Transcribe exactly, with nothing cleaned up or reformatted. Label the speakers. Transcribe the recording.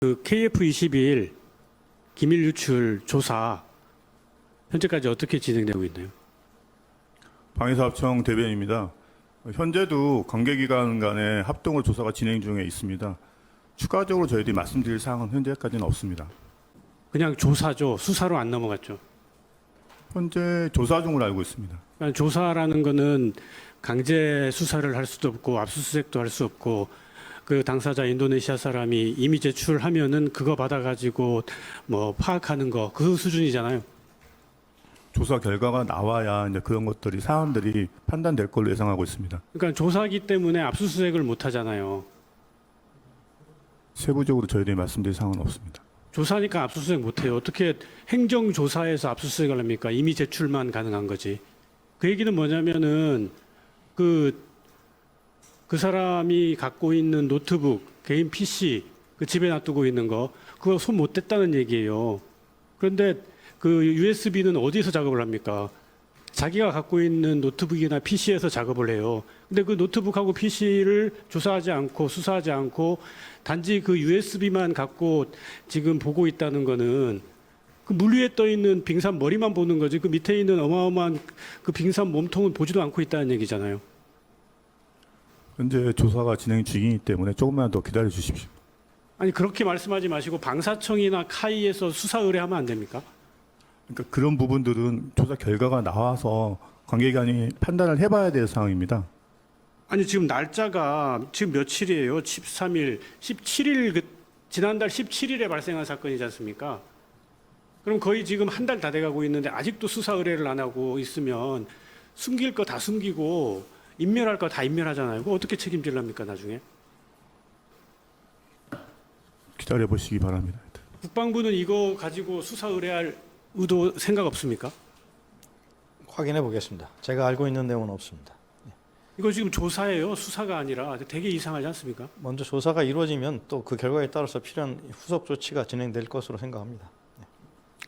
Speaker 1: 그 케이에프 이십일 기밀 유출 조사 현재까지 어떻게 진행되고 있나요?
Speaker 2: 방위사업청 대변인입니다. 현재도 관계기관 간의 합동으로 조사가 진행 중에 있습니다. 추가적으로 저희들이 말씀드릴 사항은 현재까지는 없습니다.
Speaker 1: 그냥 조사죠. 수사로 안 넘어갔죠.
Speaker 2: 현재 조사 중으로 알고 있습니다.
Speaker 1: 그러니까 조사라는 거는 강제 수사를 할 수도 없고 압수수색도 할 수 없고 그 당사자 인도네시아 사람이 이미 제출하면은 그거 받아가지고 뭐 파악하는 거 그 수준이잖아요.
Speaker 2: 조사 결과가 나와야 이제 그런 것들이 사안들이 판단될 걸로 예상하고 있습니다.
Speaker 1: 그러니까 조사기 때문에 압수수색을 못 하잖아요.
Speaker 2: 세부적으로 저희들이 말씀드릴 사항은 없습니다.
Speaker 1: 조사니까 압수수색 못 해요. 어떻게 행정조사에서 압수수색을 합니까? 이미 제출만 가능한 거지. 그 얘기는 뭐냐면은 그, 그 사람이 갖고 있는 노트북, 개인 피씨, 그 집에 놔두고 있는 거, 그거 손 못 댔다는 얘기예요. 그런데 그 유에스비는 어디서 작업을 합니까? 자기가 갖고 있는 노트북이나 피씨에서 작업을 해요. 근데 그 노트북하고 피씨를 조사하지 않고 수사하지 않고 단지 그 유에스비만 갖고 지금 보고 있다는 거는 그 물 위에 떠 있는 빙산 머리만 보는 거지 그 밑에 있는 어마어마한 그 빙산 몸통은 보지도 않고 있다는 얘기잖아요.
Speaker 2: 현재 조사가 진행 중이기 때문에 조금만 더 기다려 주십시오.
Speaker 1: 아니 그렇게 말씀하지 마시고 방사청이나 카이에서 수사 의뢰하면 안 됩니까?
Speaker 2: 그러니까 그런 부분들은 조사 결과가 나와서 관계기관이 판단을 해봐야 될 사항입니다.
Speaker 1: 아니 지금 날짜가 지금 며칠이에요? 십삼 일, 십칠 일 그 지난달 십칠 일에 발생한 사건이지 않습니까? 그럼 거의 지금 한 달 다 돼가고 있는데 아직도 수사 의뢰를 안 하고 있으면 숨길 거 다 숨기고 인멸할 거 다 인멸하잖아요. 그거 어떻게 책임질랍니까 나중에?
Speaker 2: 기다려 보시기 바랍니다.
Speaker 1: 국방부는 이거 가지고 수사 의뢰할 의도 생각 없습니까?
Speaker 3: 확인해 보겠습니다. 제가 알고 있는 내용은 없습니다.
Speaker 1: 이거 지금 조사예요. 수사가 아니라 되게 이상하지 않습니까?
Speaker 3: 먼저 조사가 이루어지면 또 그 결과에 따라서 필요한 후속 조치가 진행될 것으로 생각합니다.